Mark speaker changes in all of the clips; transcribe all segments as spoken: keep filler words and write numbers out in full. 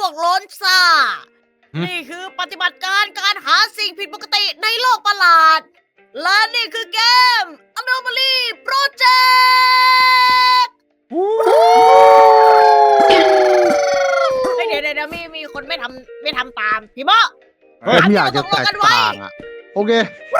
Speaker 1: วกโล้นซ่า
Speaker 2: หึ
Speaker 1: นี่คือปฏิบัติการการหาสิ่งผิดปกติในโลกประหลาด และนี่คือเกม Anomaly Project เฮ้ยเดี๋ยวเดี๋ยวเดี๋ยวมีมีคนไม่ทำไม่ทำตาม พี่โม
Speaker 3: เฮ้ย
Speaker 1: ตาม
Speaker 3: ไม่
Speaker 1: ที่
Speaker 3: อยาก
Speaker 1: เรา
Speaker 3: จะ
Speaker 1: ตกล
Speaker 3: แต
Speaker 1: ง
Speaker 3: ก
Speaker 1: กันไว้
Speaker 3: ต่างอ่ะ โอเค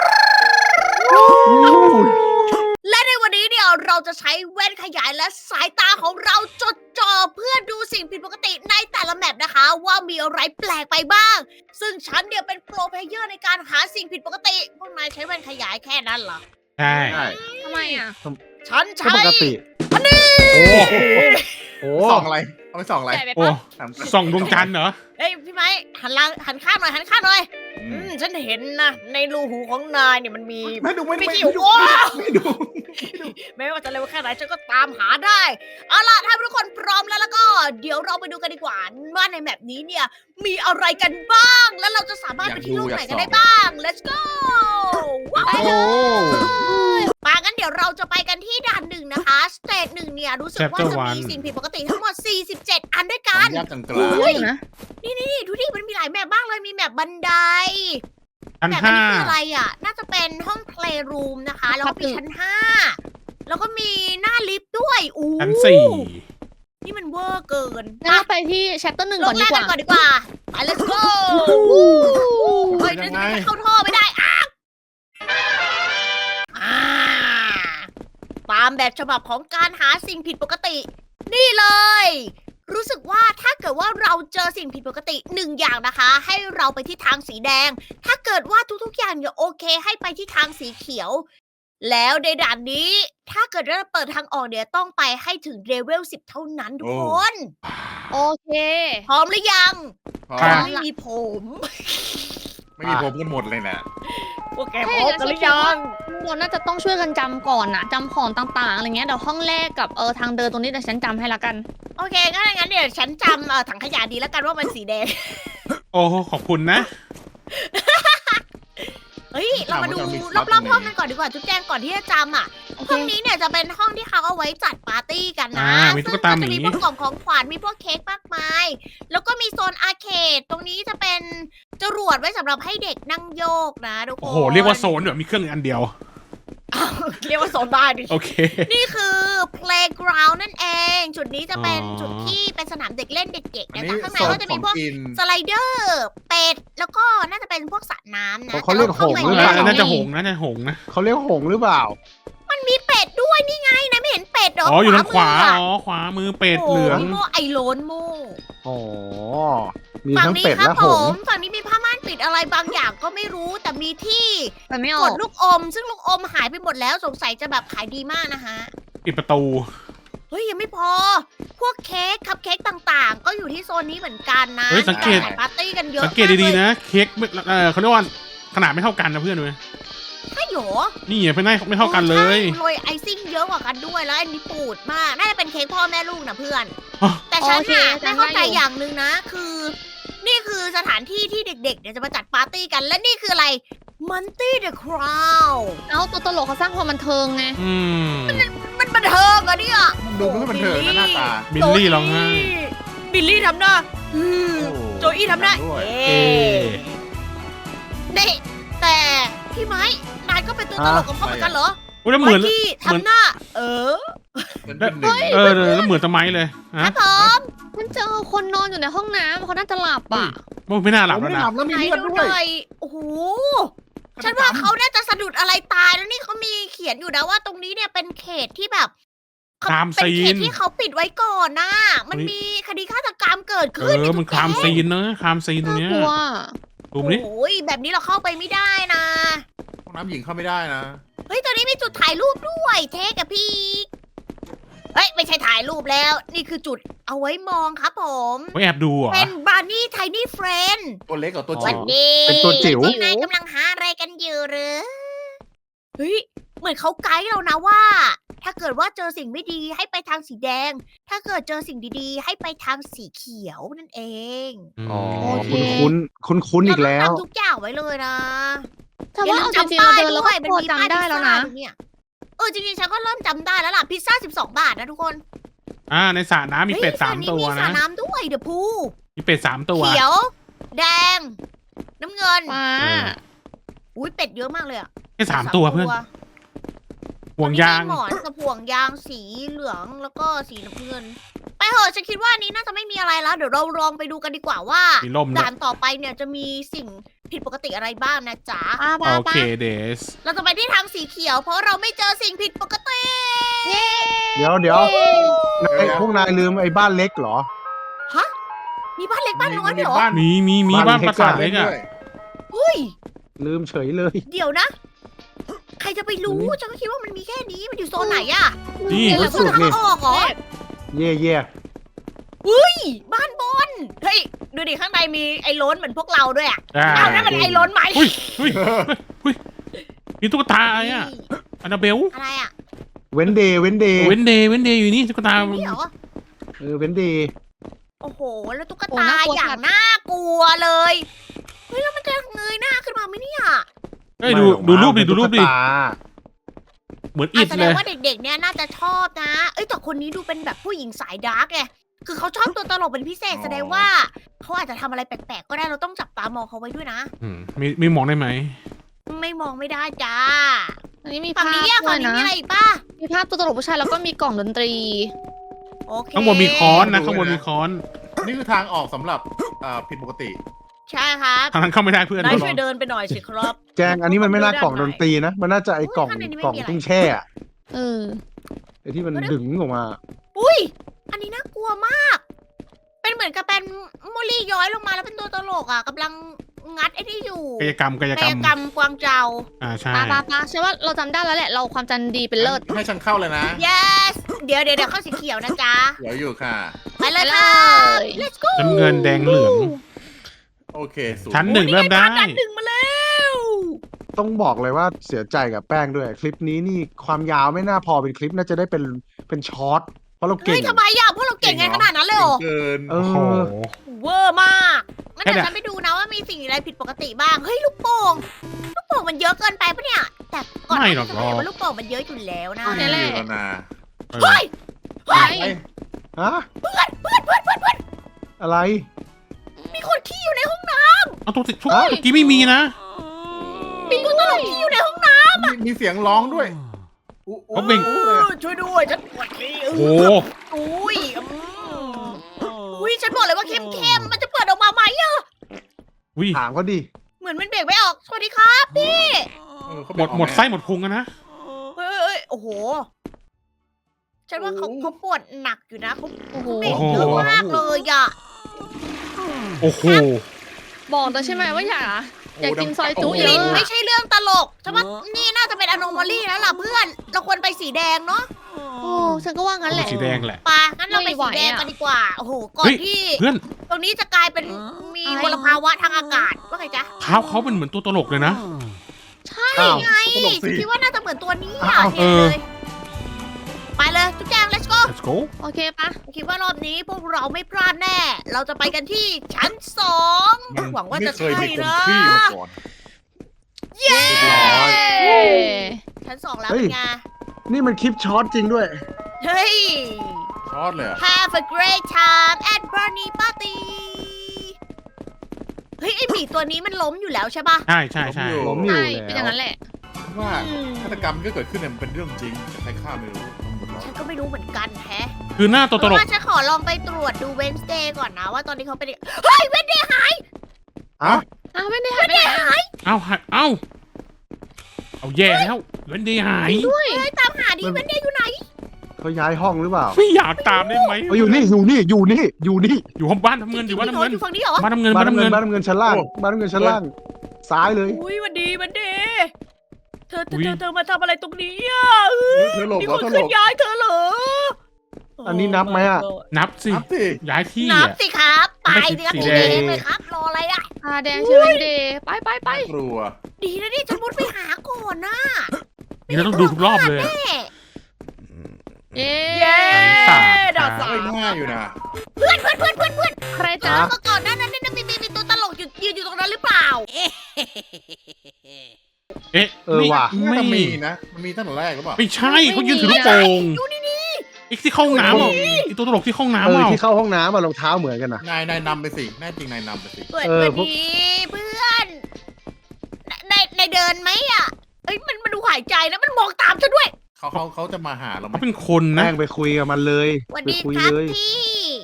Speaker 1: และในวันนี้เนี่ยเราจะใช้แว่นขยายและสายตาของเราจดจ่อเพื่อดูสิ่งผิดปกติในแต่ละแมปนะคะ ว่ามีอะไรแปลกไปบ้าง ซึ่งฉันเนี่ยเป็นโปรเพลเยอร์ในการหาสิ่งผิดปกติ พวกนายใช้แว่นขยายแค่นั้นเหรอ
Speaker 2: ใช่
Speaker 3: ใช่
Speaker 4: ทำไมอ่ะ
Speaker 1: ฉัน
Speaker 3: ก็
Speaker 1: ใช้
Speaker 3: ปกติ
Speaker 2: โอ้โห
Speaker 5: ส่องอะไรเอาไปส่องอะไร
Speaker 4: ใหญ่ไป
Speaker 2: โอ้
Speaker 4: ปะ
Speaker 5: ถาม
Speaker 2: ส่องดวงจันทร์เหรอ
Speaker 1: เฮ้ยพี่ไม้หันหลังหันข้างหน่อยหันข้างหน่อย
Speaker 5: อื
Speaker 1: อื
Speaker 5: ม
Speaker 1: มฉันเห็นนะในรูหูของนายเนี่ยมันมี
Speaker 5: ไม่ดูไม่ดู
Speaker 1: ไม่
Speaker 5: ไม่
Speaker 1: ที่
Speaker 5: ดู
Speaker 1: หัว
Speaker 5: ไม่ดู
Speaker 1: ไม่ว่าจะเร็วแค่ไหนฉันก็ตามหาได้ เอาล่ะถ้าทุกคนพร้อมแล้วแล้วก็ เดี๋ยวเราไปดูกันดีกว่าว่าในแมปนี้เนี่ยมีอะไรกันบ้าง แล้วเราจะสามารถไปที่โลกไหนกันได้บ้าง let's go ว้าว
Speaker 3: โอ้
Speaker 1: ปางั้นเดี๋ยวเราจะไปกันที่ด่านหนึ่งนะคะสเตจหนึ่งเนี่ยรู้สึกว่า
Speaker 2: Chapter
Speaker 1: จะมี
Speaker 2: one
Speaker 1: สิ่งผิดปกติทั้งหมด สี่สิบเจ็ด อันด้วย
Speaker 5: ขอ
Speaker 1: กั
Speaker 5: อน นุญาตกลางกลาง
Speaker 1: โอ้ย
Speaker 4: นะ
Speaker 1: นี่ดูดิมันมีหลายแมปบ้างเลยมีแมปบันได
Speaker 2: ชั้น
Speaker 1: แต่อัน
Speaker 2: ห้า
Speaker 1: นี้คืออะไรอ่ะ น่าจะเป็นห้อง playroom นะคะ แล้วก็มีชั้นห้า แล้วก็มีหน้าลิฟต์ด้วยอู้
Speaker 2: ชั้นสี่
Speaker 1: นี่มันเวอร์เกิน
Speaker 4: งั้นเราไปที่แชปเตอร์หนึ่ง
Speaker 1: ล
Speaker 4: ก่อง น
Speaker 1: แร
Speaker 4: ดี
Speaker 1: ก
Speaker 4: ก
Speaker 1: กั
Speaker 4: ว่า
Speaker 1: นก่อนดีกว่า ไป let's go เฮ้ยนั่นจะเข้าท่อไม่ได้อ้าวอ่าตามแบบฉบับของการหาสิ่งผิดปกติ นี่เลย รู้สึกว่าถ้าเกิดว่าเราเจอสิ่งผิดปกติหนึ่งอย่างนะคะ ให้เราไปที่ทางสีแดง ถ้าเกิดว่าทุกๆอย่างเนี่ยโอเคให้ไปที่ทางสีเขียว แล้วในด่านนี้ ถ้าเกิดเราเปิดทางออกเนี่ยต้องไปให้ถึงเลเวลสิบเท่านั้นทุกคน
Speaker 4: โอเค
Speaker 1: พร้อมหรือยัง
Speaker 5: พอ
Speaker 2: ค่ะ
Speaker 1: ไม่มีผม
Speaker 5: ไม่มีผมกันหมดเลยนะ
Speaker 1: พวกแกพร้อมกันหรือยัง
Speaker 4: เราน่าจะต้องช่วยกันจำก่อนนะจำของต่างๆอะไรเงี้ยเดี๋ยวห้องแรกกับเออทางเดินตรงนี้เดี๋ยวฉันจำให้ละกัน
Speaker 1: โอเคงั้นงั้นเดี๋ยวฉันจำเอ่อถังขยะดีแล้วกันว่ามันสีแดง
Speaker 2: โอ้ขอบคุณนะ
Speaker 1: เฮ้ย เรามาดูรอบๆห้องกันก่อนดีกว่าจุ๊บแจงก่อนที่จะจำอ่ะ
Speaker 4: โอเค
Speaker 1: ห้องนี้เนี่ยจะเป็นห้องที่เขาเอาไว้จัดปาร์ตี้กันนะ
Speaker 2: อ่ามีตุ๊กตาหมี
Speaker 1: ซึ่งจะมีพวกกล่องของขวัญมีพวกเค้กมากมาย แล้วก็มีโซนอาร์เคดตรงนี้จะเป็นจรวดไว้สำหรับให้เด็กนั่งโยกนะทุกคน
Speaker 2: โอ้โห เรียกว่าโซนแบบมีเครื่องอันเดียว
Speaker 1: อ้าวเรียกว่าโซนได้ดิ
Speaker 2: โอเค
Speaker 1: นี่คือ playground นั่นเอง จุดนี้จะเป็น
Speaker 2: อ๋อ
Speaker 1: จุดที่เป็นสนามเด็กเล่นเด็กๆ
Speaker 5: อัน
Speaker 1: นะ
Speaker 5: นี้
Speaker 1: คะข้างใน
Speaker 5: โซน
Speaker 1: ก็จะ
Speaker 5: ข
Speaker 1: มี
Speaker 5: อง
Speaker 1: พวก
Speaker 5: กิน
Speaker 1: สไลเดอร์ เป็ด แล้วก็น่าจะเป็นพวกสระน้ำนะ
Speaker 3: เขาเรียกหงส์หรือเปล่า
Speaker 2: น่าจะหงส์นะน่าจะหงส์นะ
Speaker 3: เขาเรียกหงส์หรือเปล่า
Speaker 1: มันมีเป็ดด้วยนี่ไงนายไม่เห็นเป็ดเหรอ
Speaker 2: อ๋อ อยู่ทางขวา
Speaker 1: มืะ
Speaker 2: อ๋อ ขวามือเป็ด
Speaker 1: โอ้
Speaker 2: เหลือง
Speaker 1: พี่โมไอโลนโม
Speaker 3: อ๋อ มี
Speaker 1: ฝั่ง
Speaker 3: ทั้ง
Speaker 1: นี้
Speaker 3: เป็ด
Speaker 1: ครั
Speaker 3: และ
Speaker 1: ผ
Speaker 3: หง
Speaker 1: ม
Speaker 3: ส์
Speaker 1: ฝั่งนี้มีผ้าม่านปิดอะไรบางอย่างก็ไม่รู้ แต่มีที่
Speaker 4: แต่ไม่อก อ
Speaker 1: ด
Speaker 4: ก
Speaker 1: ลูกอม ซึ่งลูกอมหายไปหมดแล้วสงสัยจะแบบขายดีมากนะฮะ
Speaker 2: ปิดประตู
Speaker 1: เฮ้ยยังไม่พอ พวกเค้กคัพเค้กต่างๆ ก็อยู่ที่โซนนี้เหมือนกันนะ
Speaker 2: เฮ้ยสังเกต
Speaker 1: มีารจัดปาร์ตี้กันเยอะ
Speaker 2: สังเกตดีๆนะ เค้กไม่เออเขาเรียกว่าขนาดไม่เท่ากันนะเพื่อนเลย
Speaker 1: ใช่เหรอ
Speaker 2: นี่ไงเพื่อนไม่เท่ากันเลย
Speaker 1: ใช่โรยไอซิ่งเยอะกว่ากันด้วยแล้วอันนี้ปูดมาก น่าจะเป็นเค้กพ่อแม่ลูกนะเพื่อน
Speaker 2: อ๋อ
Speaker 1: แต่ฉัน
Speaker 4: โอเค
Speaker 1: น่ะ
Speaker 4: ฉั
Speaker 1: ไม่
Speaker 4: น
Speaker 1: เข้าใจ
Speaker 4: ได้อยู่
Speaker 1: อย่างหนึ่งนะ คือ นี่คือสถานที่ที่เด็กๆเนี่ยจะมาจัดปาร์ตี้กัน และนี่คืออะไรมันตี้เดอะคราว
Speaker 4: เอาตัวตลกเขาสร้างความบันเทิงไง
Speaker 2: อืม
Speaker 1: มันบันเทิงอะเนี่ย
Speaker 5: ดูไม่ค่อยบันเทิงนะหน้าตา
Speaker 2: บิลลี่ร้องไห้
Speaker 1: บิลลี่ทำหน้าอืม
Speaker 5: โอ้
Speaker 1: โจอี้ทำหน้า
Speaker 5: ด้วย
Speaker 1: เอ
Speaker 2: เอ๊ะ
Speaker 1: นี่แต่พี่ไม้นายก็เป็นตัวตลกของเขาเหมือนกันเหรอ
Speaker 2: อุ้ยแล้วเหมือน
Speaker 1: ไที่
Speaker 2: เหมือน
Speaker 1: ทำหน้า เออ
Speaker 5: เป็นเป็นหนึ่ง
Speaker 2: เออแล้วเหมือนตะไม้เลย
Speaker 1: ค
Speaker 2: ฮะ
Speaker 1: รับผม
Speaker 4: มันเจอคนนอนอยู่ในห้องน้ำเขาน่าจะหลับอ่ะ
Speaker 2: โอ้ไม่น่าหลับ
Speaker 5: ผม
Speaker 2: แล้ว
Speaker 5: ไม่
Speaker 2: นะ
Speaker 5: หลับแล้วมี
Speaker 1: ไหน
Speaker 5: เลือด
Speaker 1: ดู
Speaker 5: ด้
Speaker 1: ห
Speaker 5: วย
Speaker 1: น่อยโอ้โห ฉันว่าเขาน่าจะสะดุดอะไรตายแล้วนี่เขามีเขียนอยู่นะว่าตรงนี้เนี่ยเป็นเขตที่แบบ
Speaker 2: คราม
Speaker 1: เป็น
Speaker 2: ซี
Speaker 1: เขต
Speaker 2: น
Speaker 1: ที่เขาปิดไว้ก่อนนะมัน
Speaker 2: เฮ้ย
Speaker 1: มีคดีฆาตกรรมเกิด
Speaker 2: เอ
Speaker 1: ขึ้น
Speaker 2: อ มันครามซีนเนอะครามซีนตัว
Speaker 4: น่า
Speaker 2: เนี้ย
Speaker 4: กลัว
Speaker 2: ดูมดิ
Speaker 1: โอ้ยแบบนี้เราเข้าไปไม่ได้นะ
Speaker 5: ห้องน้ำหญิงเข้าไม่ได้นะ
Speaker 1: เฮ้ยตอนนี้มีจุดถ่ายรูปด้วยเทกับพี่เฮ้ยไม่ใช่ถ่ายรูปแล้ว นี่คือจุดเอาไว้มองครับผม
Speaker 2: ไว้แอบดูเหรอ
Speaker 1: เป็นบาร์นี่ไทนี่เฟรน
Speaker 5: ตัวเล็กกับตัว
Speaker 1: วั
Speaker 5: จิ๋
Speaker 1: น
Speaker 5: ว
Speaker 1: ดี
Speaker 3: เป็นตัวจิ๋ว
Speaker 1: พกนายกำลังหาอะไรกันอยู่หรือเฮ้ยเหมือนเขาไกด์เรานะว่า ถ้าเกิดว่าเจอสิ่งไม่ดีให้ไปทางสีแดง ถ้าเกิดเจอสิ่งดีๆ ให้ไปทางสีเขียวนั่นเอง
Speaker 3: อ๋อ
Speaker 4: โอเค
Speaker 3: คุ้นคุ้นคุ้นคุ้นๆอีกแล้ว
Speaker 1: เราต้องจำทุกอย่างไว้เลยนะ
Speaker 4: แต่ว่าเอาจริงๆเราเดินแล้วก็พอจำได้แล้วนะ
Speaker 1: เนี่ยเออจริงๆฉันก็เริ่มจำได้แล้วล่ะพิซซ่าสิบสองบาทนะทุกคน
Speaker 2: อ่าในสระน้ำมีเป็ด
Speaker 1: ฮ้ย
Speaker 2: สาม
Speaker 1: นี้
Speaker 2: ตัว
Speaker 1: มีสระ
Speaker 2: นะ
Speaker 1: น้ำด้วยเดี๋ยวพู
Speaker 2: มีเป็ดสามตัว
Speaker 1: เขียว แดง น้ำเงิน
Speaker 4: ฟ้า
Speaker 1: อุ้ยเป็ดเยอะมากเลยอะ
Speaker 2: แค่สามตัวเพื่อนห่วงยาง
Speaker 1: มีหมอนกับห่วงยางสีเหลืองแล้วก็สีน้ำเงิน ไปเหอะฉันคิดว่าอันนี้น่าจะไม่มีอะไรแล้ว เดี๋ยวเราลองไปดูกันดีกว่าว่า
Speaker 2: มีล่มด้วย
Speaker 1: ด่านต่อไปเนี่ยจะมีสิ่งผิดปกติอะไรบ้างนะจ๊ะ
Speaker 4: ป้าป้า
Speaker 2: โอ
Speaker 4: ป้า
Speaker 2: เคเดส
Speaker 1: เราจะไปที่ทางสีเขียว เพราะเราไม่เจอสิ่งผิดปกติ
Speaker 4: เย้
Speaker 3: เดี๋ยวเดี๋ยว ไอ้พวกนายลืมไอ้บ้านเล็กเหรอ
Speaker 1: ฮะ มีบ้านเล็กบ้านน้อยด้วยเหรอ
Speaker 5: บ้าน
Speaker 2: มีมีมี
Speaker 3: บ้า
Speaker 2: บ้าน น
Speaker 3: เล็ก
Speaker 2: ปราสาท
Speaker 5: เล่
Speaker 2: เล็
Speaker 5: น
Speaker 2: กอะ
Speaker 5: ด้วย
Speaker 1: เฮ้ย
Speaker 3: ลืมเฉยเลย
Speaker 1: เดี๋ยวนะ ใครจะไปรู้
Speaker 3: นี่
Speaker 1: ฉันก็คิดว่ามันมีแค่นี้ มันอยู่โซนไหนอะ
Speaker 2: นี่
Speaker 1: เดี๋ยวเรา
Speaker 3: สุด
Speaker 1: จะ
Speaker 3: นี่
Speaker 1: ทางออกเหรอ
Speaker 3: เย่เย่
Speaker 1: อุ้ย บ้านบน เฮ้ย ดูดิข้างในมีไอ้ล้นเหมือนพวกเราด้วยอะ
Speaker 2: อ่า
Speaker 1: เอานั่นมันไอ้ล้นไหม
Speaker 2: อุ้ยอุ้ยอุ้ยมีตุ๊กตาอะไรอะอันนาเบล
Speaker 1: อะไรอะ
Speaker 3: เว้นเดย์เว้นเดย์
Speaker 2: เว้นเดย์เว้นเดย์อยู่นี่ตุ๊กตา
Speaker 1: นี่เหรอ
Speaker 3: เออเว้นเดย์
Speaker 1: โอ้โห แล้วตุ๊กตาอย่างน่ากลัวเลย เฮ้ย แล้วมันจะเงยหน้าขึ้นมาไหมเนี่ย
Speaker 2: เอ้ยดูดูรูปดิดูรูปดิ
Speaker 3: ตุ๊กตา
Speaker 2: เหมือน
Speaker 1: อา
Speaker 2: อิ
Speaker 1: จ
Speaker 2: ด
Speaker 1: แส
Speaker 2: เล
Speaker 1: ดง
Speaker 2: ย
Speaker 1: ว่าเด็กๆ เนี่ยน่าจะชอบนะ เอ้ยแต่คนนี้ดูเป็นแบบผู้หญิงสายดาร์กไง คือเขาชอบตัวตลกเป็นพิเศษ แสดงว่าเขาอาจจะทำอะไรแปลกๆ ก็ได้ เราต้องจับตามองเขาไว้ด้วยนะ
Speaker 2: อืมมีมีหมองได้ไหม
Speaker 1: ไม่มองไม่ได้จ้า
Speaker 4: อันนี้มี
Speaker 1: ฝั่ง
Speaker 4: ภาพ
Speaker 1: นี้อะ
Speaker 4: ด้
Speaker 1: ฝั่
Speaker 4: ว
Speaker 1: ง
Speaker 4: ย
Speaker 1: นี้
Speaker 4: นะ
Speaker 1: มีอะไรอีกป่ะ
Speaker 4: มีภาพตัวตลกผู้ชายแล้วก็มีกล่องดนตรี
Speaker 1: โอเค
Speaker 2: ข้างบนมีค้อนนะข้างบนมีค้อน
Speaker 5: นี่คือทางออกสำหรับอ่าผิดปกติ
Speaker 1: ใช่ครับ
Speaker 2: ทางนั้นเข้าไม่ได้เพื่อน
Speaker 1: นายช่วยเดินไปหน่อยสิครับ
Speaker 3: แจงอันนี้มันไม่น่ากล่องดนตรีนะ มันน่าจะไอ้กล่อง
Speaker 1: ข้างในนี้ไม่
Speaker 3: กล่อง
Speaker 1: มีอะไร
Speaker 3: ตุ้งแช่อะ
Speaker 4: เออ
Speaker 3: ไอ้ที่มันดึงออกมา
Speaker 1: อุ้ย อันนี้น่ากลัวมาก เป็นเหมือนกับเป็นโมลี่ย้อยลงมาแล้วเป็นตัวตลกอ่ะกำลังงัดไอ้นี่อยู่
Speaker 2: กายกรรมกาย
Speaker 1: กาก
Speaker 2: รร
Speaker 1: ย
Speaker 2: ม
Speaker 1: กรรมกวางเจา
Speaker 2: อ่าใช่
Speaker 4: ป้าป้าป้าใช่ว่าเราจำได้แล้วแหละ เราความจำดีเป็นเลิศ
Speaker 5: ให้ฉันเข้าเลยนะ
Speaker 1: yes เดี๋ยวเดี๋ยวเดี๋ยวเข้าสีเขียวนะจ๊ะ
Speaker 5: เดี๋ยวอยู่ค่ะ
Speaker 1: ไปเลยค่ะ
Speaker 4: ไปเลย
Speaker 1: let's go
Speaker 2: น้ำเงินแดงเหลือง
Speaker 5: โอเคสู
Speaker 2: ชั้นหนึ่ง
Speaker 1: โอ้
Speaker 2: เริ่มได้
Speaker 1: ภาพด้านหนึ่งมาแล้ว
Speaker 3: ต้องบอกเลยว่าเสียใจกับแป้งด้วย คลิปนี้นี่ความยาวไม่น่าพอเป็นคลิปน่าจะได้เป็นเป็นช็อตเพราะเราเก่
Speaker 1: เฮ้
Speaker 3: ง
Speaker 1: ยทำไมอ่ะพวกเราเก่งไงขนาดนั้นเลยเหรอ
Speaker 5: เกิน
Speaker 3: เอ
Speaker 2: โอ้โห
Speaker 3: อ
Speaker 1: เวอร์มากงั้น
Speaker 2: แค่
Speaker 1: เดี๋ยว
Speaker 2: เนี่ย
Speaker 1: ฉันไปดูนะว่ามีสิ่งอะไรผิดปกติบ้าง เฮ้ยลูกโป่ง ลูกโป่งมันเยอะเกินไปปะเนี่ย แต่ก่อนหน้านี้จะบอกว่าลูกโป่งมันเยอะอยู่แล้วนะ
Speaker 4: นี่แหละ
Speaker 5: อยู่แล้วนะ
Speaker 2: เออ
Speaker 1: เฮ้ย เฮ้ย
Speaker 5: ไอ้
Speaker 3: ฮะ
Speaker 1: เพื่อนเพื่อนเพื่อนเพื่อนเพื่อน
Speaker 3: อะไร
Speaker 1: มีคนขี้อยู่ในห้องน้
Speaker 2: เอาตัวสิทุก
Speaker 3: เอ้ย
Speaker 2: เมื่อกี้ไม่มีนะ
Speaker 1: ำมีตัวตลกขี้อยู่ในห้องน้
Speaker 5: มีมีเสียงร้องด้วยอุ๊
Speaker 2: เขาเบ่ง
Speaker 5: อุ๊เลย
Speaker 1: ำช่วยด้วยฉันปวดขี้
Speaker 2: โอ้โห
Speaker 1: อุ้ยอืมอุ้ยฉันบอกเลยว่าเข้มๆมันจะเปิดออกมาไหมอะ
Speaker 2: วิ
Speaker 3: ถามเขาดิ
Speaker 1: เหมือนมันเบรกไม่ออก สวัสดีครับพี่
Speaker 5: เออเขา
Speaker 2: หมดหมดไส้หมดพุงอะนะ
Speaker 1: เฮ้ยเฮ้ยโอ้โห ฉันว่าเขาเขาปวดหนักอยู่นะเขา
Speaker 4: โอ้โห
Speaker 1: เบรกเยอะมากเลยอะ
Speaker 2: โอ้โห
Speaker 4: บอกแต่ใช่ไหมว่าอยากอะอยากกินซอยจุ
Speaker 5: โโห
Speaker 4: เย
Speaker 1: ลิ
Speaker 4: อะ
Speaker 1: น
Speaker 4: อะ
Speaker 1: ไม่ใช่เรื่องตลกฉันว่านี่น่าจะเป็นอโนมาลีแล้วล่ะเพื่อน เราควรไปสีแดงเนาะ
Speaker 4: โอ้ฉันก็ว่างั้นแหละ
Speaker 2: สีแดงแหละ
Speaker 1: ปะงั้นเราไปสีแดงกันดีกว่า โอ้โห ก่อน
Speaker 2: เฮ้ย
Speaker 1: ที่
Speaker 2: เพื่อน
Speaker 1: ตรงนี้จะกลายเป็นมี
Speaker 4: อะไร
Speaker 1: มลภาวะทางอากาศ ว่าไงจ๊ะ
Speaker 2: เท้าเขาเป็นเหมือนตัวตลกเลยนะ
Speaker 1: ใช่
Speaker 3: อ้าว
Speaker 1: ไง
Speaker 5: ตลกสิ
Speaker 1: คิดว่าน่าจะเหมือนตัวนี้
Speaker 3: อ้า
Speaker 1: อ่ะ
Speaker 3: ว
Speaker 1: เห็นเลย ไปเลยทุกแจง let's go
Speaker 2: let's go
Speaker 4: โอเคปะ
Speaker 1: คิดว่ารอบนี้พวกเราไม่พลาดแน่ เราจะไปกันที่ชั้นสอง
Speaker 5: มัน
Speaker 1: หวังว่าจะ
Speaker 5: ไม่เคย
Speaker 1: ใช่
Speaker 5: มีคน
Speaker 1: นะ
Speaker 5: ขี้มาก่อน
Speaker 1: เย้
Speaker 5: เรียบร้อย
Speaker 4: เย้
Speaker 1: ชั้นสองแล้ว
Speaker 3: เฮ้
Speaker 1: เป็
Speaker 3: ย
Speaker 1: นไง
Speaker 3: นี่มันคลิปช็อตจริงด้วย
Speaker 1: เฮ้ย
Speaker 5: ช็อตเลยอะ
Speaker 1: Have a great time at Bernie Party เฮ้ยไอหมีตัวนี้มันล้มอยู่แล้วใช่ปะ
Speaker 2: ใช่ใช่ใช่
Speaker 3: ล้มอยู่
Speaker 4: ใช่
Speaker 3: แล้ว
Speaker 4: เป็นอย่างนั้นแหละ
Speaker 5: ว่าฆาตกรรมที่เกิดขึ้นเนี่ยมันเป็นเรื่องจริงแต่ใครฆ่าไม่รู้ทั้งหมดแล้ว
Speaker 1: ฉันก็ไม่รู้เหมือนกันแฮะ
Speaker 2: คือหน้าตัวตลก
Speaker 1: เพราะว่าฉันขอลองไปตรวจดู Wednesday ก่อนนะว่าตอนนี้เขาเป็นยังเฮ้ย Wednesday หาย
Speaker 3: อ่ะ
Speaker 4: อ้าวไม่ได้หายไปไหนอะ
Speaker 2: เอ้าหายเอ้า เอาแย่แล้วเว้นดีหาย
Speaker 4: ด้วย
Speaker 1: เฮ้ยตามหาดิ Wednesday อยู่ไหน
Speaker 3: เขาย้ายห้องหรือเปล่า
Speaker 2: ไม่อยากตามได้ไหม
Speaker 3: เอาอยู่นี่อยู่นี่อยู่นี่อยู่นี่
Speaker 2: อยู่ห้องบ้านทำเงินอยู่บ้านทำเงิน
Speaker 1: อยู่ฝั่งนี้เหรอ
Speaker 2: บ้านทำเงิน
Speaker 3: บ้า
Speaker 2: บ้าน น
Speaker 3: น้ำ
Speaker 2: ทำ
Speaker 3: เงิ
Speaker 2: เงิ
Speaker 3: น
Speaker 2: น
Speaker 3: บ้านน้ำเงินชั้นล่างบ้านน้ำเงินชั้นล่าง ซ้ายเลย
Speaker 1: อุ้ยวันดีวันดีเธอเธ
Speaker 2: อุ๊
Speaker 1: อย เธอเธอมาทำอะไรตรงนี้อ่ะเออ
Speaker 5: เธอหลบ
Speaker 1: มี
Speaker 5: แล้
Speaker 1: ค
Speaker 5: วน เธอห
Speaker 1: ขึ้
Speaker 5: ล
Speaker 1: น
Speaker 5: บ
Speaker 1: ย้ายเธอเหรอ
Speaker 3: อันนี้นับไหมอะ
Speaker 2: นับสิ
Speaker 5: นับสิ
Speaker 2: ย้ายที่
Speaker 1: นับ
Speaker 2: อ่ะ
Speaker 1: สิครับ ไป
Speaker 2: ไม่
Speaker 1: สิ
Speaker 2: ใช่
Speaker 1: ครับ
Speaker 2: สี
Speaker 1: สี
Speaker 2: แด
Speaker 1: แด
Speaker 2: ง
Speaker 1: งเลยครับ รออะไรอ่ะ
Speaker 4: ตาแดงใช่ไหมเดย์ไปไปไป
Speaker 5: กลัว
Speaker 1: ดีนะนี่ฉันมุดไปหาก่อนนะ
Speaker 2: นี่เราต้องดูทุกรอบเลย
Speaker 1: แน่
Speaker 4: เย้
Speaker 1: เย้
Speaker 2: สาม
Speaker 1: ดาวสา
Speaker 5: ไม่
Speaker 1: ม
Speaker 5: ง่ายอยู่นะ
Speaker 1: เพื่อนเพื่อนเพื่อนเพื่อนเพื่อน
Speaker 4: ใครจ๊ะ
Speaker 1: เมื่อก่อนหน้านั้นเนี่ยมีมีมีตัวตลกอยู่ยืนอยู่ตรงนั้นหรือเปล่า
Speaker 2: เอ๊ะ
Speaker 3: เออว่ะ
Speaker 2: ไม่
Speaker 5: น่าจะ
Speaker 2: ไม่
Speaker 5: มีนะ มันมีตั้งแต่แรกหรือเปล่า
Speaker 2: ไม่ใช่เขายืนถือลูกโป่ง
Speaker 1: ดูนี่นี่
Speaker 2: อีกที่เข้าห้องน้ำอ่ะอีกตัวตลกที่เข้าห้อง
Speaker 3: เอ
Speaker 2: น้ำ
Speaker 3: อ
Speaker 2: อ่ะ
Speaker 3: ที่เข้าห้องน้ำมารองเท้าเหมือนกันนะ
Speaker 5: นายนายนำไปสิแน่จริงนายนำไปสิ
Speaker 1: เปิด
Speaker 3: เออ
Speaker 1: มา
Speaker 3: พวก
Speaker 1: ดีเพื่อนในในเดินไหมอ่ะเอ้ยมันมันดูหายใจแล้วมันมองตามฉันด้วย
Speaker 5: เขาเขาเขาจะมาหาเราไหม
Speaker 2: เขาเป็นคนนะ
Speaker 3: แป้งไปคุยกับมันเลย
Speaker 1: สวัส
Speaker 3: ไป
Speaker 1: ดี
Speaker 3: คุย
Speaker 1: ครับ
Speaker 3: เลย
Speaker 1: พี่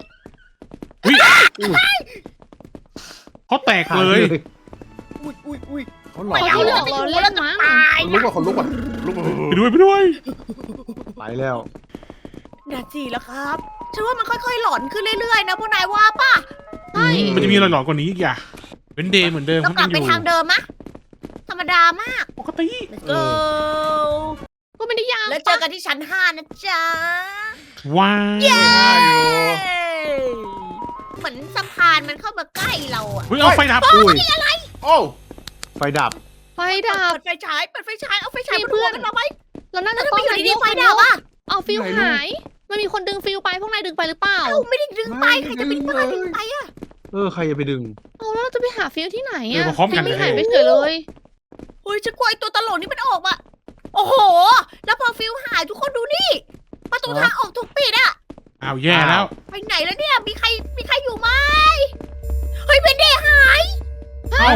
Speaker 2: เขาแตกเลย
Speaker 1: อุ้ยอุ้ยอุ้ย
Speaker 5: เขาหลอ
Speaker 1: ไม่
Speaker 5: ก
Speaker 1: เอา
Speaker 4: หล
Speaker 1: เรา
Speaker 4: อก
Speaker 1: จะอ
Speaker 4: เรา
Speaker 1: ยู่
Speaker 4: เล่
Speaker 1: แล้ว
Speaker 4: น
Speaker 1: จะ
Speaker 4: มั้ง
Speaker 1: ตาย
Speaker 5: ลุกว่าคนลุกว่าลุกว่า
Speaker 2: ไปด้วยไปด้วย
Speaker 3: ไปแล้ว
Speaker 1: นาจีแล้วครับฉันว่ามันค่อยๆหลอนขึ้นเรื่อยๆนะพวกนายว่าป่ะ
Speaker 4: ใช่
Speaker 2: มันจะมีอะไรหลอนกว่านี้อีกอ่ะเป็นเดย์เหมือนเดิม
Speaker 1: เรากลับไปทางเดิมมะธรรมดามาก
Speaker 2: ปกติ
Speaker 1: Let's
Speaker 3: เอ
Speaker 1: go
Speaker 4: ก็ไม่ได้ยาก
Speaker 1: แล้วเจอกันที่ชั้นห้านะจ๊ะ
Speaker 2: ว้า
Speaker 1: เย้
Speaker 2: ว
Speaker 1: เหมือนสะพานมันเข้ามาใกล้เราอะ
Speaker 2: เฮ้ยเอาไฟดับ
Speaker 3: อุ้ย
Speaker 5: โอ้
Speaker 3: ไฟดับ
Speaker 4: ไฟดับ
Speaker 1: เปิดไฟฉายเปิดไฟฉายเอาไฟฉาย
Speaker 4: มี
Speaker 1: มา
Speaker 4: เพื่
Speaker 1: ดู
Speaker 4: อน
Speaker 1: กันเราไหม
Speaker 4: เราน่า
Speaker 1: แล้
Speaker 4: จะ
Speaker 1: วทำ
Speaker 4: ต้
Speaker 1: ไม
Speaker 4: อง
Speaker 1: อยู่ดีๆไฟดับอะ
Speaker 4: เอาฟิวหาย มันมีคนดึงฟิวไปพวกนายดึงไปหรือเปล่า
Speaker 1: เอ้าไม่ได้ดึงไปใครจะไปดึงไปดึงไปอะ
Speaker 3: เออใครจะไปดึง
Speaker 4: เอาแล้วเราจะไปหาฟิวที่ไหน
Speaker 2: เออ
Speaker 4: อะ
Speaker 2: มาพร้อม
Speaker 4: ฟิ
Speaker 2: กั
Speaker 4: วน ไม่
Speaker 2: เลย
Speaker 4: หายไปเฉยเลย
Speaker 1: เฮ้ยฉันกลัวไอ้ตัวตลกนี่มันออกมาโอ้โห แล้วพอฟิวหายทุกคนดูนี่ประตูทางออกถูกปิดอะ
Speaker 2: อ้าวแย่แล้ว
Speaker 1: ไปไหนแล้วเนี่ยมีใครมีใครอยู่ไหมเฮ้ยเวนเดย์หาย
Speaker 2: เอ้า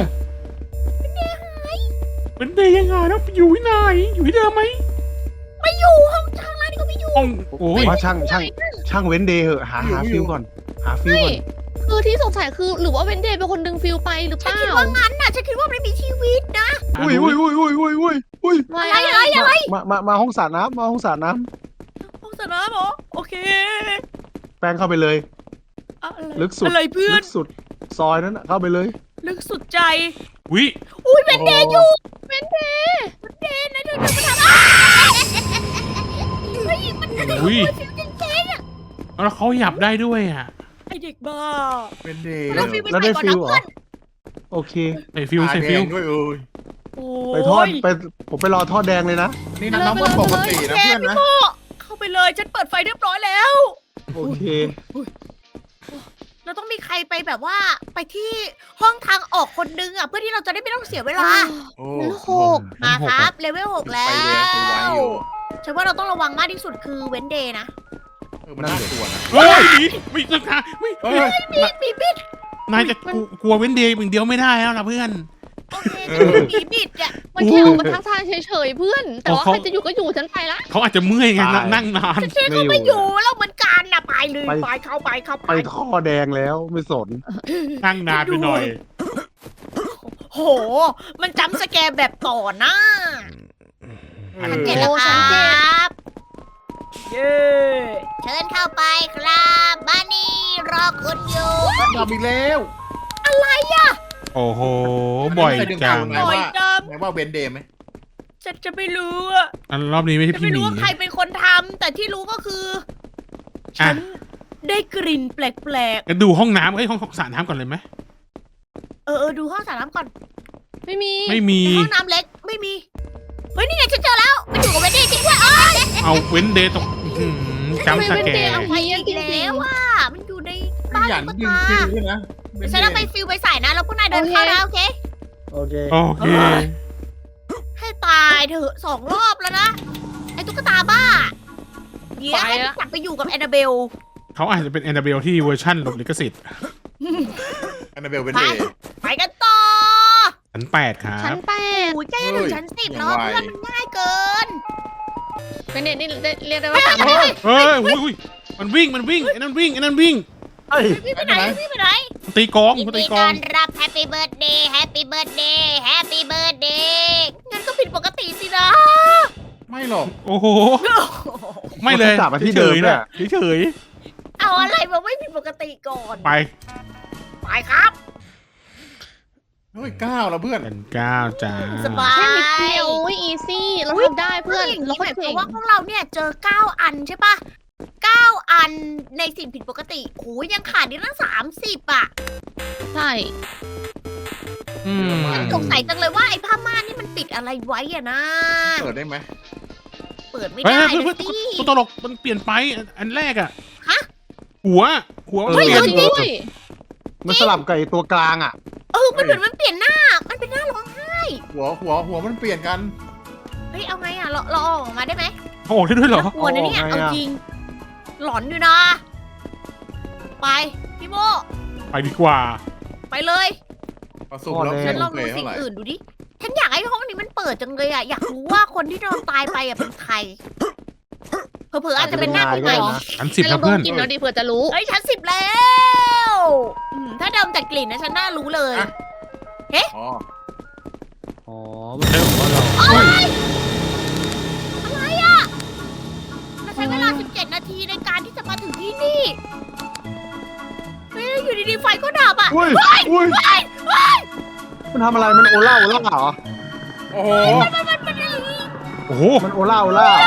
Speaker 2: เป็นเดย์ยังไงแล้วอยู่ที่ไหนอยู่ที่เดิมไหม
Speaker 1: ไม่อยู่ห้องทางร้านนี่ก็ไม่อยู่
Speaker 2: ห้องโอ้ย
Speaker 3: ว่าช่างช่างช่างเว้นเดย์เหอะหาหาฟิวก่อน หาฟิว
Speaker 4: ใช่
Speaker 3: ก่อน
Speaker 4: คือที่สงสัยคือหรือว่าเวนเดย์เป็นคนดึงฟิวไปหรือเป
Speaker 1: ฉัน
Speaker 4: ล่า
Speaker 1: คิดว่างั้นน่ะฉันคิดว่าไม่มีชีวิตนะ
Speaker 3: อุ้ยอุ้ยอุ้ยอุ้ยอุ้ยอุ้ยอุ้ย
Speaker 4: ไม่
Speaker 1: อะไรอะไรอะไร
Speaker 3: มามามาห้องสระน้ำมาห้องสระน้
Speaker 1: ห้องสนามเหรอโอเค
Speaker 3: ำแป้งเข้าไปเลย
Speaker 1: อะไร
Speaker 3: ลึกสุด
Speaker 1: อะไรเพื่อน
Speaker 3: ลึกสุด ซอยนั้นน่ะเข้าไปเลย
Speaker 1: ลึกสุดใจ
Speaker 2: วิ
Speaker 1: อุ้ยเวนเดย์อยู่
Speaker 4: เวนเดย์
Speaker 1: เวนเดย์นะเธอเธอมาทำอะไรเฮ้ยมันกระโดด
Speaker 2: อุ้ย
Speaker 1: ฟิวจริง
Speaker 2: แล้วเขาหยับได้ด้วยอ่ะ
Speaker 1: ๆไอเด็กบ้า
Speaker 5: เป็นเดย์
Speaker 1: เราฟิวไป
Speaker 3: แล้ว
Speaker 1: ใส่
Speaker 3: ได้
Speaker 1: ก่อน
Speaker 3: ฟิ
Speaker 1: นะ
Speaker 3: วเหรอ
Speaker 1: เพื่อน
Speaker 3: โอเค
Speaker 2: ใส่ฟิว
Speaker 5: ตา
Speaker 2: ใส่
Speaker 5: แด
Speaker 2: ฟิว
Speaker 5: งด้วยเอ้ย
Speaker 1: โอ้
Speaker 3: ไปทอดไปผมไปรอทอดแดงเลยนะ
Speaker 5: นี่น้ำมันปกตินะเพื่อนนะ
Speaker 1: โอ้เข้าไปเลยฉันเปิดไฟเรียบร้อยแล้ว
Speaker 3: โอเค
Speaker 1: เราต้องมีใครไปแบบว่าไปที่ห้องทางออกคนนึงอ่ะเพื่อที่เราจะได้ไม่ต้องเสียเวลา
Speaker 5: โอ้
Speaker 4: มันหก
Speaker 1: มาครับเลเวลหกแล้
Speaker 5: ไปเรียนไปไว้
Speaker 1: ว
Speaker 5: อยู่
Speaker 1: ฉันว่าเราต้องระวังมากที่สุดคือเว้นเดย์นะ
Speaker 5: เออมันน่ากลัวนะ
Speaker 2: เฮ้ยหนีไม่ต้องหาไม่
Speaker 5: เฮ้ย
Speaker 1: มีดมีบิด
Speaker 2: นายจะกลัวกลัวเว้นเดย์อย่างเดียวไม่ได้แล้วนะเพื่อน
Speaker 1: โอเคฉันก็มีบิดอ่ะ
Speaker 4: มันแค่ออกมาทักทายเฉยๆเพื่อน แต่ว่า
Speaker 2: เขา
Speaker 4: ใครจะอยู่ก็อยู่ฉันไปละ
Speaker 2: เขาอาจจะเมื่อยไง
Speaker 3: ตาย
Speaker 2: นั่งนาน
Speaker 1: ฉันก็ไม่อยู่แล้วเหมือนกันนะไปเลย
Speaker 3: ไป
Speaker 1: ไปเข้าไปเข้าไป
Speaker 3: ไปท่อแดงแล้วไม่สน
Speaker 2: นั่งนานไปหน่อย
Speaker 1: โห มันจำสแกร์แบบต่อหน้า
Speaker 5: เอ
Speaker 1: ชั้น
Speaker 5: อ
Speaker 1: เจ็ดแล้วครับเย้เชิญเข้าไปครับบ้านนี้รอคุณอยู่
Speaker 5: ดับอีกแล้ว
Speaker 2: โอ้โห บ่อยจัง
Speaker 5: ไหน
Speaker 1: บ่อย
Speaker 5: ว่า
Speaker 1: จัง
Speaker 5: ไหนว่าเบนเดย์ไหม
Speaker 1: ฉันจะไม่รู้อะ
Speaker 2: อันรอบนี้ไม่ใช่
Speaker 1: ฉัน
Speaker 2: พี่
Speaker 1: ไม่
Speaker 2: หมี
Speaker 1: รู้ว่าใครเป็นคนทำแต่ที่รู้ก็คือ
Speaker 2: อ่ะ
Speaker 1: ฉันได้กลิ่นแปลก
Speaker 2: จะดูห้องน้ำเอ้ยห้องสระน้ำก่อนเลยไหม
Speaker 1: ๆ เออเออดูห้องสระน้ำก่อน
Speaker 4: ไม่มี
Speaker 2: ไม่มี
Speaker 1: ในห้องน้ำเล็กไม่มี เฮ้ยนี่ไงฉันเจอแล้ว มันอยู่กับเวนดี้จริงด้วยเอ้ย
Speaker 2: เอาเว้นเดย์ตรงอื้อหือจำสแก
Speaker 4: เดย์
Speaker 2: ร์
Speaker 4: เอา
Speaker 1: ไป
Speaker 4: ไว้
Speaker 1: อี
Speaker 4: จ
Speaker 1: ก
Speaker 4: ริ
Speaker 1: แล้
Speaker 4: ง
Speaker 1: วว่ามันอยู่ในบ้าน
Speaker 5: หยัน
Speaker 1: ตุ๊ก
Speaker 5: ดึง
Speaker 1: ตา
Speaker 5: ฟิวด้วยนะ
Speaker 1: เดี๋ยวฉันเอาไปฟิลไปใส่นะแล้วพวกนายเดินเข้านะโอเค
Speaker 3: โอเค
Speaker 2: โอเค
Speaker 1: ให้ตายเถอะสองรอบแล้วนะ ไอ้ตุ๊กตาบ้า เดี๋ยวให้มันกลับไปอยู่กับแอนนาเบล
Speaker 2: เขาอาจจะเป็นแอนนาเบลที่เวอร์ชั่นหลบลิขสิทธิ์
Speaker 5: อันนาเบลเบนเดย์
Speaker 1: ไปกันต่อ
Speaker 2: ชั้นแปดครั
Speaker 4: ชั้น
Speaker 2: บ
Speaker 4: แปด
Speaker 1: โอ้ยใกล้จะถึงชั้นสิบแล้ว
Speaker 5: ยังไง
Speaker 1: เพื่อนมันง่ายเกิน
Speaker 4: เป็นเด็กนี่ได้เรียกได้ว่าสาม
Speaker 1: เฮ้ย
Speaker 2: เฮ้ยอุ้ยอุ้ยมันวิ่งมันวิ่งไอ้นั่นวิ่งไอ้นั่นวิ่ง
Speaker 3: เฮ้ย
Speaker 1: พี่ไปไหนพี่ไปไหน
Speaker 2: มันตีกลอง
Speaker 1: ยิน
Speaker 2: มันตี
Speaker 1: ดี
Speaker 2: กล
Speaker 1: ต้
Speaker 2: อ
Speaker 1: อง นรับแฮปปี้เบิร์ดเดย์แฮปปี้เบิร์ดเดย์แฮปปี้เบิร์ดเดย์งั้นก็ผิดปกติสินะ
Speaker 5: ไม่หรอก
Speaker 2: โอ้โหไม่เลย
Speaker 3: กลับมาที่เดิม
Speaker 2: ฉยๆ
Speaker 3: เนี่
Speaker 2: นะ
Speaker 3: ย
Speaker 2: เฉย
Speaker 1: เอาอะไรมาไม่ผิดปกติก่อน
Speaker 2: ๆไป
Speaker 1: ไปครับ
Speaker 5: เฮ้ยก้าวแล้วเพื่อน
Speaker 2: เป็นเก้าจ้า
Speaker 1: สบาย
Speaker 4: แค่นิดเดียวโอ้ยอีซี่เราทำได้เพื่อน
Speaker 1: อย่าง
Speaker 4: เรา
Speaker 1: นี้
Speaker 4: ก็
Speaker 1: หมายค
Speaker 4: เก่
Speaker 1: วาม
Speaker 4: ง
Speaker 1: ว่าพวกเราเนี่ยเจอเก้าอันใช่ปะเก้าอันในสิ่งผิดปกติโอ้ยยังขาดอีกตั้งสามสิบอ่ะ
Speaker 4: ใช่
Speaker 2: อืม
Speaker 1: สงสัยจังเลยว่าไอ้ผ้าม่านนี่มันปิดอะไรไว้อะนะ
Speaker 5: เปิดได้ไหม
Speaker 1: เปิดไม่
Speaker 2: เฮ้ย
Speaker 1: ได้
Speaker 2: เฮ้ย
Speaker 1: นะ
Speaker 2: เฮ้ย
Speaker 1: สิ
Speaker 2: ตัวตลกมันเปลี่ยนไปอันแรกอะ
Speaker 1: ฮะ
Speaker 2: หัว หัวมัน
Speaker 3: เฮ้ย
Speaker 2: เปลี่ยน
Speaker 4: จริงด้วย
Speaker 3: มันสลับกับไอ้ตัวกลางอ่ะ
Speaker 1: เออมันเหมือนมันเปลี่ยนหน้า มันเป็นหน้าร้องไห้
Speaker 5: หัวหัวหัวมันเปลี่ยนกัน
Speaker 1: เฮ้ยเอาไงอะเราเราเอาออกมาได้ไหม
Speaker 2: เขาออกได้ด้วยเหรอ
Speaker 1: น่ากลัวนะเนี่ย
Speaker 3: เอาออกไง
Speaker 1: เอา
Speaker 3: อะ
Speaker 1: จริงหลอนอยู่นะ ไปพี่โม
Speaker 2: ไปดีกว่า
Speaker 1: ไปเลย
Speaker 5: เอาสุ่มแล้ว
Speaker 1: ฉันลอง
Speaker 5: เป
Speaker 1: ดู
Speaker 5: ย์
Speaker 1: สิ่
Speaker 5: เท่างไหร่
Speaker 1: อื่นดูดิ ฉันอยากให้ห้องนี้มันเปิดจังเลยอะอยากรู้ว่าคนที่นอนตายไปอะเป็นใคร เผลอๆอาจจะเป็นหน้าที่ใหม่
Speaker 2: อันสิบ
Speaker 4: ให้
Speaker 2: นะ
Speaker 4: เราด
Speaker 2: เพื่อ
Speaker 4: ม
Speaker 2: น
Speaker 4: กลินแล้วดิเผื่อจะรู้
Speaker 1: เฮ้ยชั้นสิบแล้วอืมถ้าเดิมจากกลิ่นนะฉันน่ารู้เลย
Speaker 5: อ๋อ
Speaker 3: อ๋อไม่ใช่ของเรา
Speaker 1: อะไรอะเราใช้เวลา สิบเจ็ด นาทีในการที่จะมาถึงที่นี่เฮ้ยอยู่ดีๆไฟก็ดับอะ
Speaker 3: อุ้ยอุ้ยมันทำอะไรมันโอล่าโอล่าเหรอ
Speaker 5: โอ้โห
Speaker 2: โอ้โห
Speaker 3: มันโอล่าโอล่าเหรอ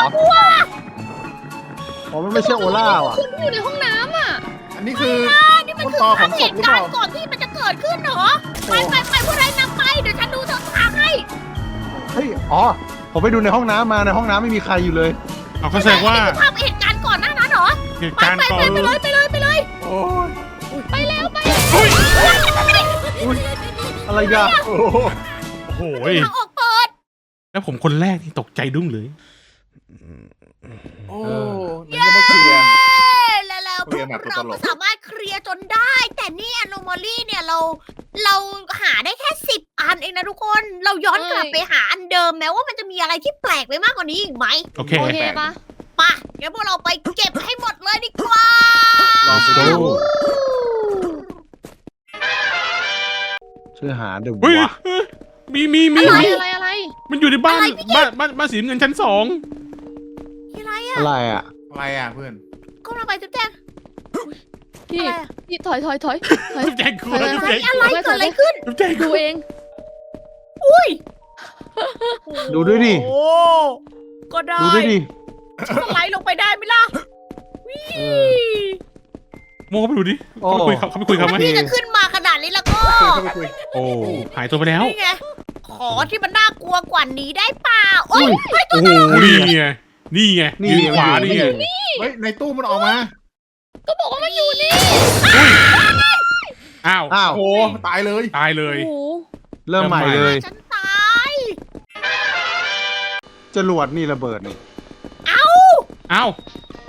Speaker 3: อ๋อมันไม่ใช่โอล่าว่ะ
Speaker 4: คุณอยู่ในห้องน้ำอ่ะ
Speaker 5: อันนี้คือ
Speaker 1: นี่มัน
Speaker 5: ต้น
Speaker 1: คือ
Speaker 5: ตอข
Speaker 1: ภา
Speaker 5: อ
Speaker 1: พ
Speaker 5: งศ
Speaker 1: เห
Speaker 5: พหรือ
Speaker 1: ตุ
Speaker 5: เป
Speaker 1: การ
Speaker 5: ล่า
Speaker 1: ณ์ก่อนที่มันจะเกิดขึ้นเหรอ ไปไปไปพวกนายนำไป เดี๋ยวฉันดูเส้นทางให้
Speaker 3: เฮ้ยอ๋อผมไปดูในห้องน้ำมาในห้องน้ำไม่มีใครอยู่เลย
Speaker 2: เอาเขาแสดงว่า
Speaker 1: นี่คือภาพเหตุการณ์ก่อนหน้านั้นเหรอ
Speaker 2: เหตุ
Speaker 1: ไป
Speaker 2: การณ์
Speaker 1: ไป
Speaker 2: ก่อ
Speaker 1: ไป
Speaker 2: น
Speaker 1: ไปเลยไปเลยไปเลย
Speaker 5: โอ้ย
Speaker 1: ไปแล้วไป
Speaker 3: อุ้ยอะไรกันโอ้โห
Speaker 2: โอ้โห
Speaker 1: ทางออกเปิด
Speaker 2: แล้วผมคนแรกที่ตกใจดุ้งเลย
Speaker 5: โอ้นั่นก็มาเคลียร์
Speaker 1: แล้วแล้ว
Speaker 5: เคลียร์แบบตัวต
Speaker 1: เรา
Speaker 5: ล
Speaker 1: ก็
Speaker 5: ก
Speaker 1: สามารถเคลียร์จนได้ แต่นี่ anomaly เนี่ยเรา เราหาได้แค่สิบอันเองนะทุกคน เราย้อนกลับ
Speaker 4: เอ้ย
Speaker 1: ไปหาอันเดิมแม้ว่ามันจะมีอะไรที่แปลกไปมากกว่านี้อีกไหม
Speaker 2: โอเค
Speaker 4: โอเคปะ
Speaker 1: ไปะงั้นพวกเราไปเก็บให้หมดเลยดีกว่า
Speaker 5: ลองไปดู
Speaker 3: ช่วยหาเดี๋ยว
Speaker 2: เฮ้ยว
Speaker 3: ะ
Speaker 2: มีมีมี
Speaker 4: อะไร
Speaker 2: มี
Speaker 4: อะไรอะไร
Speaker 2: มันอยู่ในบ้าน
Speaker 1: อะไรพี่เกด
Speaker 2: บ้านบ้านบ้านสีน้ำเงินชั้นสอง
Speaker 1: อะไรอะ
Speaker 3: อะไรอ่ะ
Speaker 5: อะไรอ่ะเพื่อน
Speaker 1: ก้มลงไปจุ๊บแจง
Speaker 4: พี่
Speaker 1: อะไรอะ
Speaker 4: พี่ถอยถอยถอยถอย
Speaker 2: จุ๊บแจงกลัว
Speaker 4: อะไร
Speaker 2: จุ๊บ
Speaker 1: เฮ้
Speaker 2: แจ
Speaker 1: ย
Speaker 2: ง
Speaker 1: อะไรเกิดอะไรขึ้น
Speaker 2: จุ๊บแจงก
Speaker 4: ดู
Speaker 2: ลัว
Speaker 4: เอง
Speaker 1: อุ้ย
Speaker 3: ดูด้วยดิ
Speaker 1: โอ้ก็ได้
Speaker 3: ดูด้วยดิ
Speaker 1: สไลด์ลงไปได้ไหมล่ะ
Speaker 3: เออ
Speaker 2: โมเขาไปดูดิ
Speaker 3: โอ้
Speaker 2: เขาไปคุยเขาเขาไปคุยเขาไหม
Speaker 1: ถ้าพี่จะขึ้นมาขนาดนี้แล้วก็
Speaker 5: เข้าไปคุย
Speaker 2: โอ้หายตัวไปแล้ว
Speaker 1: นี่ไง ขอที่มันน่ากลัวกว่านี้ได้เปล่าโอ้ย
Speaker 2: โอ้โหนี่ไงนี่ไง
Speaker 3: นี่
Speaker 2: ยืนขวา
Speaker 3: มัน
Speaker 2: นี่
Speaker 3: อยู่
Speaker 2: ไง
Speaker 5: เฮ้ย ในตู้มันออกมา
Speaker 4: ก็บอกว่ามันอยู่นี่
Speaker 2: อ้าว
Speaker 3: อ้าว
Speaker 5: โอ้โหตายเลย
Speaker 2: ตายเลย
Speaker 4: โอ้โห
Speaker 3: เริ่มใหม่เลย
Speaker 1: ฉันตาย
Speaker 3: จรวดนี่ระเบิดนี่
Speaker 1: เอ้า
Speaker 2: อ้าว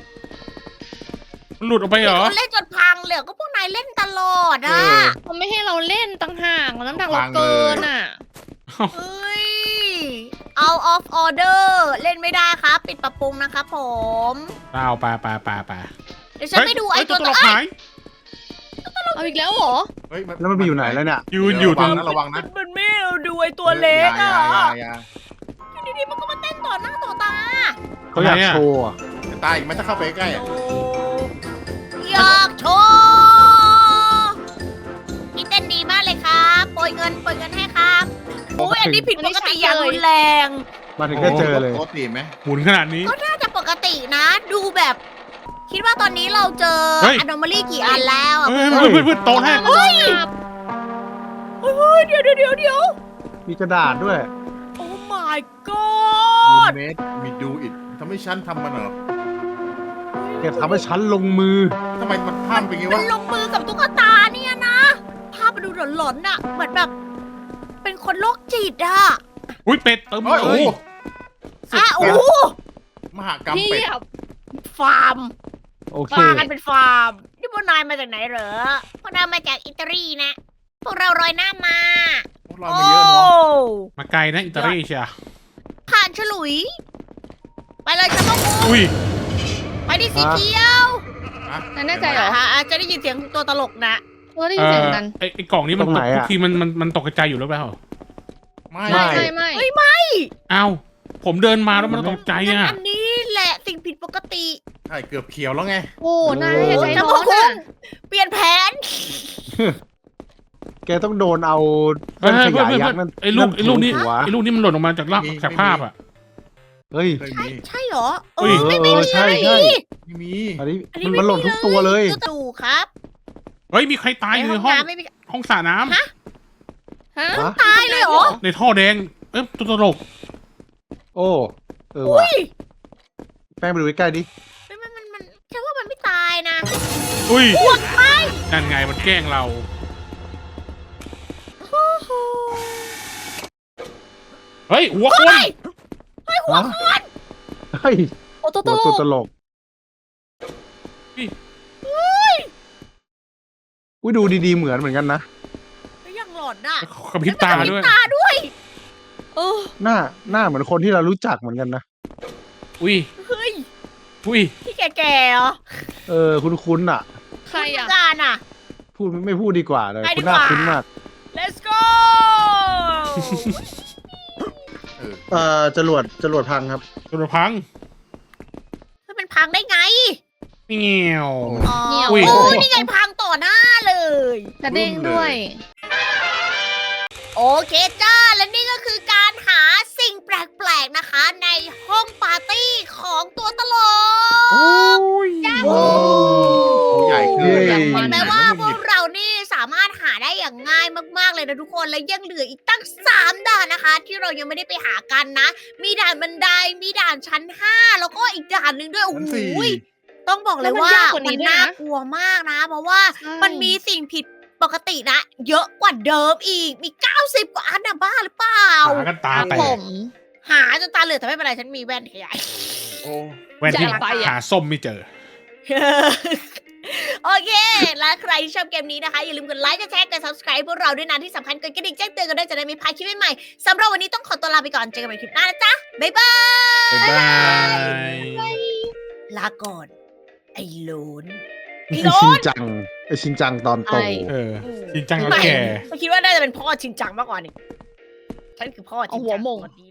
Speaker 2: มันหลุดออกไปเหรอ
Speaker 1: คนเล่นจนพังเลยก็พวกนายเล่นตลอดอ่ะ
Speaker 5: เออ
Speaker 4: เขาไม่ให้เราเล่นต่างหากน้ำหนักเราเกินอ่ะ
Speaker 1: เฮ้ย out of order เล่นไม่ได้ครับ ปิดปรับปรุงนะครับผม
Speaker 2: เอาไปไปไปไป
Speaker 1: เดี๋ยวฉันไปดูไอ้
Speaker 2: เฮ้ย
Speaker 1: ตัว
Speaker 2: ต
Speaker 1: ต่
Speaker 2: ล
Speaker 1: อก
Speaker 2: หาย
Speaker 4: เอาอีกแล้วเหรอ
Speaker 5: เฮ้ย
Speaker 3: แล้วมันไปอยู่ไหนแล้วเนี่ย
Speaker 2: ยืนอยู่ตรง
Speaker 5: ระวังนะ
Speaker 1: มันไม่เอาดูไอ้ตัวเล็ก
Speaker 5: อย่า
Speaker 1: อ่ะ
Speaker 5: อย่าอย่า
Speaker 1: อยู่ดีๆมันก็มาเต้นต่อหน้าต่อตา
Speaker 3: เขาอยากโชว์อะ
Speaker 5: อย่าตายอีกไหมถ้าเข้าไปใกล้อะ
Speaker 1: อยากโชว์พี่เต้นดีมากเลยครับโปรยเงินโปรยเงินให้ครับโอ้ยอันนี้ผิดปกติอย่างรุนแรง
Speaker 3: มาถึงก็เจอเลย
Speaker 5: ปกติไหม
Speaker 2: หมุนขนาดนี้
Speaker 1: ก็น่าจะปกตินะ ดูแบบ คิดว่าตอนนี้เราเจอ
Speaker 2: เฮ้ย
Speaker 1: anomaly กี่อันแล้วอะ
Speaker 2: เฮ้ยเพื่อนเพื่อนเพื่อนโต๊ะให้
Speaker 4: มันโดนจับ
Speaker 1: เฮ้ยเดี๋ยวเดี๋ยวเดี๋ยวเดี๋ยว
Speaker 3: มีกระดาษด้วย
Speaker 1: โอ้ my
Speaker 5: มี
Speaker 1: god
Speaker 5: เมดมีดูอิดทำให้ฉันทำมันเหรอ
Speaker 3: แกทำให้ฉันลงมือ
Speaker 5: ทำไมมันพลาดเป็นไง
Speaker 1: มั
Speaker 5: วะ
Speaker 1: นลงมือกับตุ๊กตาเนี่ยนะ ภาพมันดูหลอนๆอะเหมือนแบบ เป็นคนโรคจิตอะ
Speaker 2: อุ้ยเป็ดเติม
Speaker 5: เฮ้ย
Speaker 2: เล
Speaker 5: โอ้
Speaker 2: ย
Speaker 5: โห
Speaker 1: อ่ะโอ้โห
Speaker 5: มหากรรม
Speaker 4: เพี
Speaker 5: เป็ด
Speaker 4: ยบ
Speaker 1: ฟาร์ม
Speaker 3: โอเค
Speaker 1: ฟากันเป็นฟาร์ม นี่พวกนายมาจากไหนเหรอ พวกนายมาจากอิตาลีนะ พวกเรารอยหน้ามา
Speaker 5: พวกเรามาเยอะเนาะ
Speaker 2: มาไกลนะอิตาลีเชีย
Speaker 1: ผ่านฉลุย ไปเลยฉันต้อง
Speaker 2: อุ้ย
Speaker 1: ไปที่สีเขียว
Speaker 4: นั่นแน่ใจเหรอ
Speaker 1: อ่าจะได้ยินเสียงตัวตลกนะ
Speaker 4: เราได้ยินเสียงเหมือนกัน
Speaker 2: ไอไอกล่องนี้มัน
Speaker 3: ตรง
Speaker 2: ต
Speaker 3: ไหน
Speaker 2: ก
Speaker 3: อะ
Speaker 2: ทุกทีมันมันมันตกกระจายอยู่หรือเปล่า
Speaker 5: ไม่
Speaker 3: ไม่
Speaker 4: ไม่ไม่
Speaker 1: เฮ้ย
Speaker 2: อ้าวผมเดินมาแล้วมันตกใจ
Speaker 1: งั้น
Speaker 2: อ่ะ
Speaker 1: อันนี้แหละสิ่งผิดปกติ
Speaker 5: ใช่เกือบเขียวแล้วไง
Speaker 4: โอ้นายอย่าใจ
Speaker 1: จะ
Speaker 4: ร้
Speaker 1: บ
Speaker 4: อ
Speaker 1: อก
Speaker 4: น
Speaker 1: คุ
Speaker 4: อ่ะ
Speaker 1: ณเปลี่ยนแผน
Speaker 3: แกต้องโดนเอา
Speaker 2: เฮ้
Speaker 3: เรื่
Speaker 2: ย
Speaker 3: องข
Speaker 2: เพื่อน
Speaker 3: ยาย
Speaker 2: เพื่อน
Speaker 3: ยักษ์นั่น
Speaker 2: ไอ้ลูกไอ้ลูกนี้
Speaker 3: หัว
Speaker 2: ไอ้ลูกนี้มันหล่นออกมาจากล่าง
Speaker 5: มี
Speaker 2: จาก
Speaker 5: ไม่มี
Speaker 2: ภาพอ่ะ
Speaker 3: เฮ้ย
Speaker 5: เคย
Speaker 1: ใช่
Speaker 5: มี
Speaker 1: ใช่เหรอ
Speaker 2: เฮ้ย
Speaker 1: ไม่
Speaker 3: เอ
Speaker 1: ไม่
Speaker 3: อ
Speaker 1: ไม่
Speaker 3: ใช่ใช่
Speaker 5: ไม่มี
Speaker 3: อันนี้
Speaker 1: อันนี้
Speaker 3: มันหล่นทุกตัวเลย
Speaker 1: ดูครับ
Speaker 2: เฮ้ยมีใครตายอยู่ในห้อง
Speaker 1: น้ำไม่มี
Speaker 2: ห้องสระน้ำ
Speaker 1: ฮะ
Speaker 4: ฮะ
Speaker 3: ฮะ
Speaker 1: ตายเลยเหรอ
Speaker 2: ในท่อแดงเอ้ยตัวตลก
Speaker 3: โอ้เออ
Speaker 1: อุ้
Speaker 3: ว่ะ
Speaker 1: ย
Speaker 3: แป้งไปดูใกล้ๆดิ
Speaker 1: มันมันมันมันฉันว่ามันไม่ตายนะ
Speaker 2: อุ้ย
Speaker 1: ปวดไป
Speaker 2: นั่นไงมันแกล้งเรา เฮ้ยหัวคน
Speaker 1: เฮ้ยเฮ้ยหัวคน
Speaker 3: เฮ้ย
Speaker 4: โอ้ตัวต
Speaker 3: ตัว
Speaker 4: ล
Speaker 3: ตัว
Speaker 4: ก
Speaker 3: ตลกอุ้ยดูดีๆเหมือนเหมือนกันนะ
Speaker 1: ก็ยังหลอนน่ะ
Speaker 2: กระพริบตาด้วย
Speaker 1: ตาด้วย
Speaker 4: เออ
Speaker 3: หน้าหน้าเหมือนคนที่เรารู้จักเหมือนกันนะ
Speaker 2: อุ้ย
Speaker 1: เฮ้ย
Speaker 2: อุ้ย
Speaker 1: ที่แก่ๆเหรอ
Speaker 3: เออคุ้นๆอ่ะ
Speaker 4: ใครอ่ะ
Speaker 1: คุณการอ่ะ
Speaker 3: พูดไม่พูดดีกว่าเลย
Speaker 1: ไปดี
Speaker 3: คุณ
Speaker 1: ก
Speaker 3: หน้า
Speaker 1: ว่า
Speaker 3: คุ้นมาก
Speaker 1: let's go
Speaker 5: เออ
Speaker 3: เอ่อจรวดจรวดพังครับ
Speaker 2: กระพัง
Speaker 1: มันเป็นพังได้ไง
Speaker 2: เงี้ยว
Speaker 1: อ๋อ
Speaker 4: เนี่ย
Speaker 1: โอ้
Speaker 2: อุ้ย
Speaker 1: นี่ไงพังต่อหน้าเลย
Speaker 4: กระเด้งด้วย
Speaker 1: โอเคจ้า และนี่ก็คือการหาสิ่งแปลกๆนะคะ ในห้องปาร์ตี้ของตัวตลก
Speaker 2: โอ้ย
Speaker 3: โอ้ใหญ่ขึ้น
Speaker 4: เย้
Speaker 1: เห็นไหมว่าพวกเรานี่สามารถหาได้อย่างง่ายมากๆเลยนะทุกคน และยังเหลืออีกตั้งสามด่านนะคะ ที่เรายังไม่ได้ไปหากันนะ มีด่านบันได มีด่านชั้นห้าแล้วก็อีกด่านหนึ่งด้วย โอ้
Speaker 5: ชั้น
Speaker 1: โห
Speaker 5: สี่
Speaker 1: ต้องบอกเลยว่า
Speaker 4: แล้วมันยากกว่านี้
Speaker 1: มัน
Speaker 4: ด้วยนะ
Speaker 1: น่ากลัวมากนะ เพราะว่า
Speaker 4: ใช่
Speaker 1: มันมีสิ่งผิดปกตินะ เยอะกว่าเดิมอีก มี เก้าสิบ กว่าอันนะบ้าหรือเปล่า
Speaker 2: หากันตาแต
Speaker 4: ผ
Speaker 2: ก
Speaker 4: ม
Speaker 1: หาจนตาเหลือกแต่ไม่เป็นไร ฉันมีแว่นขยาย
Speaker 5: โอ้
Speaker 2: แว่นที่
Speaker 4: จะไปอะ
Speaker 2: หาส้มไม่เจอ
Speaker 1: โอเค และใครที่ชอบเกมนี้นะคะ อย่าลืมกดไลค์กดแชร์กด subscribe พวกเราด้วยนะ ที่สำคัญกดกระดิ่งแจ้งเตือนกันด้วยจะได้ไม่พลาดคลิปใหม่ๆสำหรับวันนี้ต้องขอตัวลาไปก่อน เจอกันใหม่คลิปหน้านะจ๊ะ บ๊ายบาย
Speaker 2: บ๊ายบาย
Speaker 1: ลาก่อน ไอ้โหลน ไอ้โหล
Speaker 3: ชิน
Speaker 1: น
Speaker 3: จังไอชินจังตอนโต
Speaker 4: ใช่
Speaker 2: เออจริงจังแล้ว
Speaker 1: ไม่
Speaker 2: แก
Speaker 1: ไม่คิดว่าน่าจะเป็นพ่อชินจังมากกว่านี่ฉันคือพ่อชินจัง
Speaker 4: เอาหัวหม่ง
Speaker 1: สวัสดี